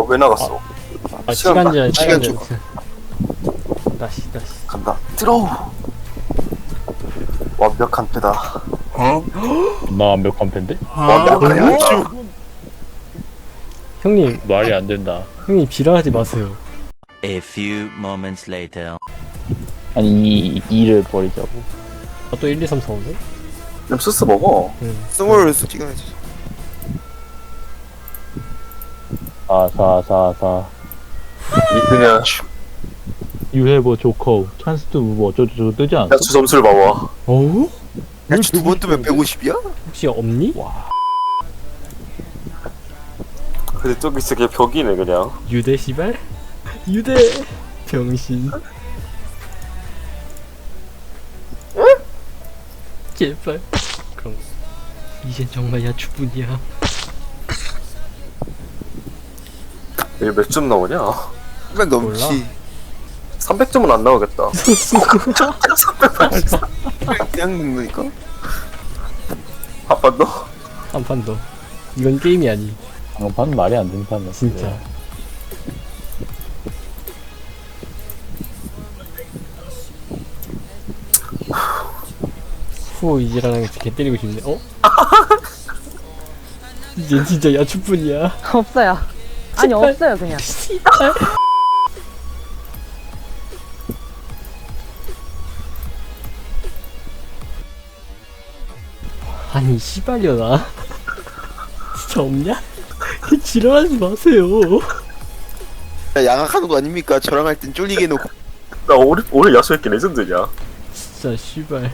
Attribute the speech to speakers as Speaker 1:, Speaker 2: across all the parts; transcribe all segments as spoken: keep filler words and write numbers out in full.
Speaker 1: 왜 나갔어?
Speaker 2: 아
Speaker 1: 시간
Speaker 2: 시간 제한
Speaker 3: 시간
Speaker 2: 시간 제한. 다시 다시.
Speaker 1: 간다. 들어. 완벽한 패다.
Speaker 4: 나 완벽한 팬데?
Speaker 1: 완벽한 주.
Speaker 2: 형님
Speaker 4: 말이 안 된다.
Speaker 2: 형님 지랄하지 마세요.
Speaker 5: A few moments later.
Speaker 4: 아니 이 이를 버리자고.
Speaker 2: 아, 또 일, 이, 삼, 사, 오네?
Speaker 1: 좀 스스 먹어.
Speaker 2: 응.
Speaker 3: 스몰 찍어야지.
Speaker 4: 사사사사.
Speaker 1: 그냥
Speaker 4: 유해보 조커 찬스도 뭐 어쩌고저쩌고 뜨지 않아?
Speaker 1: 야수 점수를 봐봐.
Speaker 2: 어우?
Speaker 3: 야, 두번 뜨면 백오십이야?
Speaker 2: 혹시 없니?
Speaker 1: 근데 저기 저게 벽이네 그냥.
Speaker 2: 유대 시발? 유대 병신. 제발. 그럼 이젠 정말 야추뿐이야.
Speaker 1: 이게 몇 점 나오냐?
Speaker 3: 시간 넘지.
Speaker 1: 삼백 점은 안 나오겠다.
Speaker 3: 그냥 먹으니까.
Speaker 1: 한 번 더?
Speaker 2: 한 판 더. 이건 게임이 아니.
Speaker 4: 방판 말이 안 되는 판이야.
Speaker 2: 진짜. 후 이지라는 개 때리고 싶네. 어? 이젠 진짜 야추뿐이야.
Speaker 6: 없어요. 아니
Speaker 2: 씨발.
Speaker 6: 없어요 그냥.
Speaker 2: 씨발. 아니 씨발려나. 진짜 없냐? 지랄하지 마세요.
Speaker 3: 야, 양악하는 거 아닙니까? 저랑 할 땐 쫄리게 해놓고.
Speaker 1: 나 올해 올해 야수했기 레전드냐?
Speaker 2: 진짜 씨발.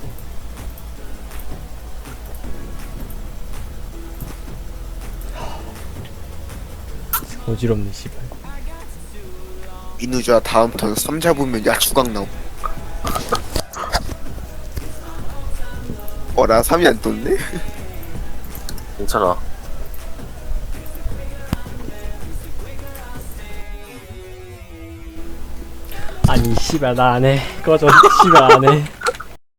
Speaker 2: 어지럽네 씨발.
Speaker 3: 민우자 다음 턴 삼 잡으면 야추각 나오. 어라 삼이 안 떴네?
Speaker 1: 괜찮아.
Speaker 2: 아니 씨발 나 안해. 꺼져. 씨발 안해.